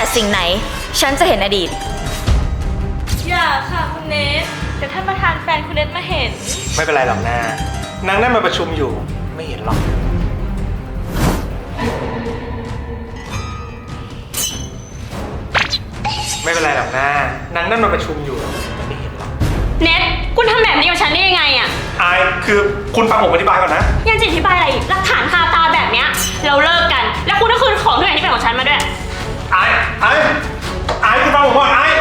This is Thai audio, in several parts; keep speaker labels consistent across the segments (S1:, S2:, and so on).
S1: สิ่งไหนฉันจะเห็นอดีต
S2: อย่าค่ะคุณเนทเดี๋ยวท่านประธานแฟนคุณเนทมาเห็น
S3: ไม่เป็นไรหรอกนะนางนั่นมาประชุมอยู่ไม่เห็นหรอกไม่เป็นไรหรอกนะนางนั่นมาประชุมอยู่ไม่เห็นหรอก
S2: เนทคุณทำแบบนี้กับฉันได้ยังไงอะ
S3: อายคือคุณฟังผมอธิบายก่อนนะ
S2: ยังจะอธิบายอะไรอีกหลักฐานคาตาแบบเนี้ยเราเลิกกันแล้วคุณก็คืนของทุกอย่างที่เป็นของฉันมาด้วย
S3: อายคุณฟังผมก่อนอาย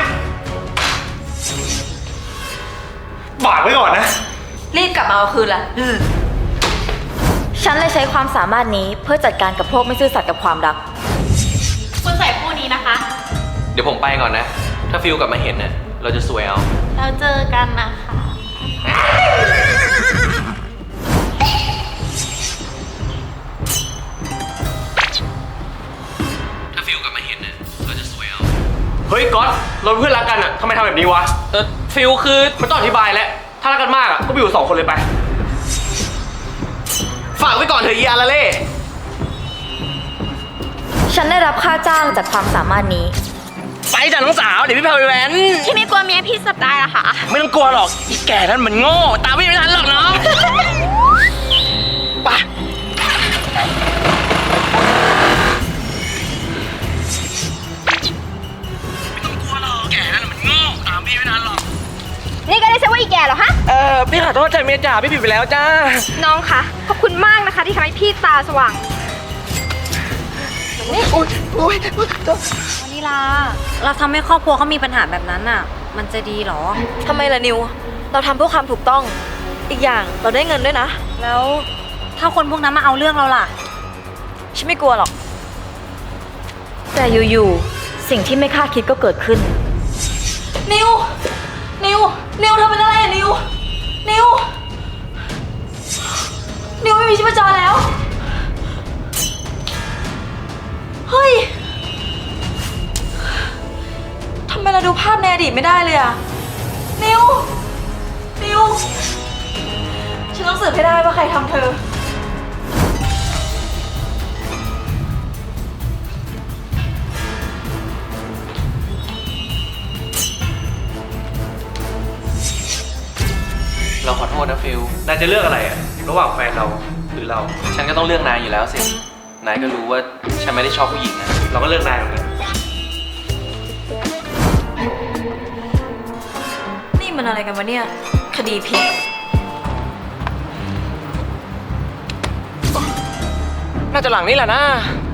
S3: ฝากไว้ก่อนนะ
S1: รีบกลับมาเอาคืนละฉันเลยใช้ความสามารถนี้เพื่อจัดการกับพวกไม่ซื่อสัตย์กับความรัก
S2: คุณใส่คู่นี้นะคะ
S4: เดี๋ยวผมไปก่อนนะถ้าฟิลกลับมาเห็นเนี่ยเราจะสวยเอา
S2: เราเจอกันนะคะ
S4: ถ้าฟิลกลับมาเห็นเนี่ยเราจะสวยเอา
S3: เฮ้ยก๊อตเราเพื่อนรักกันอ่ะทำไมทำแบบนี้วะ
S4: ฟิลคือ
S3: ไม่ต้องอธิบายแล้วถ้ารักกันมากอ่ะก็ไปอยู่2 คนเลยไปฝากไว้ก่อนเถอะอีอาราเล่
S1: ฉันได้รับค่าจ้างจากความสามารถนี้
S3: ไปจ้ะน้องสาวเดี๋ยวพี่พาไปแว้น
S2: พี่ไม่กลัวเมียพี่สับได้หรอคะ
S3: ไม่ต้องกลัวหรอกอีแก่นั้นมันโง่ตามพี่ไม่ทันหรอกน้องไปไม่ต้องกลัวหรอกแก่นั้นมันโง่ตามพี่ไม่ทันหรอก
S2: นี่ก็ได้ใช่ว่าอีแก่เหรอฮะ
S3: พี่ขอโทษใจเมียจ๋าพี่ผิดไปแล้วจ้า
S2: น้องคะขอบคุณมากนะคะที่ทำให้พี่ตาสว่าง
S5: นี่วานิลาเราทำให้ครอบครัวเขามีปัญหาแบบนั้นน่ะมันจะดีหรอ
S1: ทำไมล่ะนิวเราทำเพื่อความถูกต้องอีกอย่างเราได้เงินด้วยนะ
S5: แล้วถ้าคนพวกนั้นมาเอาเรื่องเราล่ะ
S1: ฉันไม่กลัวหรอกแต่อยู่ๆสิ่งที่ไม่คาดคิดก็เกิดขึ้นนิวเธอเป็นอะไรอะนิวไม่มีชีพจรแล้วเฮ้ยทำไมเราดูภาพในอดีตไม่ได้เลยอะนิวฉันต้องสืบให้ได้ว่าใครทำเธอ
S4: เราขอโทษนะฟิล
S3: นายจะเลือกอะไรอะระหว่างแฟนเราหรือเรา
S4: ฉันก็ต้องเลือกนายอยู่แล้วสินายก็รู้ว่าฉันไม่ได้ชอบผู้หญิงนะ
S3: เราก็เลือกนายเหมือนกัน
S1: นี่มันอะไรกันวะเนี่ยคดีพลิก
S3: น่าจะหลังนี้แหละนะ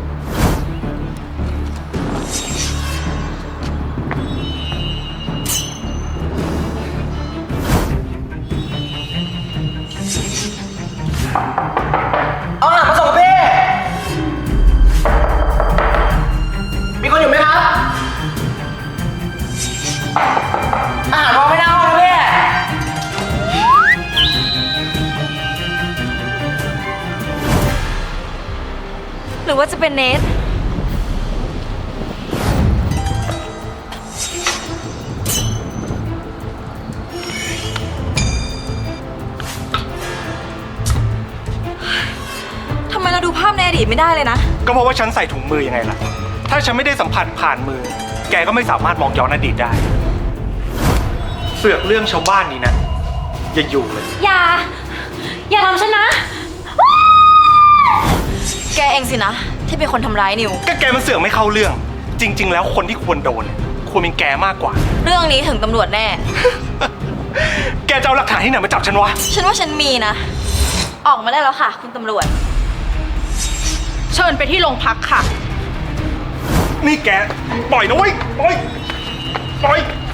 S3: เอาอาหารมาส่งพี่มีคนอยู่ไหมครับอาหารวางไม่ได้นะพี่
S1: หรือว่าจะเป็นเนททำไมเราดูภาพในอดีตไม่ได้เลยนะ
S3: ก็เพราะว่าฉันใส่ถุงมือยังไงล่ะถ้าฉันไม่ได้สัมผัสผ่านมือแกก็ไม่สามารถมองย้อนอดีตได้เสือกเรื่องชาวบ้านนี้นะอย่าอยู่เลย
S2: อย่าทำฉันนะ
S1: แกเองสินะที่เป็นคนทำร้ายนิว
S3: ก็แกมันเสือกไม่เข้าเรื่องจริงๆแล้วคนที่ควรโดนควรเป็นแกมากกว่า
S1: เรื่องนี้ถึงตำรวจแน่
S3: แกจะเอาหลักฐานที่ไหนมาจับฉันวะ
S1: ฉันว่าฉันมีนะออกมาได้แล้วค่ะคุณตำรวจ
S2: เชิญไปที่โรงพักค่ะ
S3: นี่แกปล่อยนะเว้ยปล่อย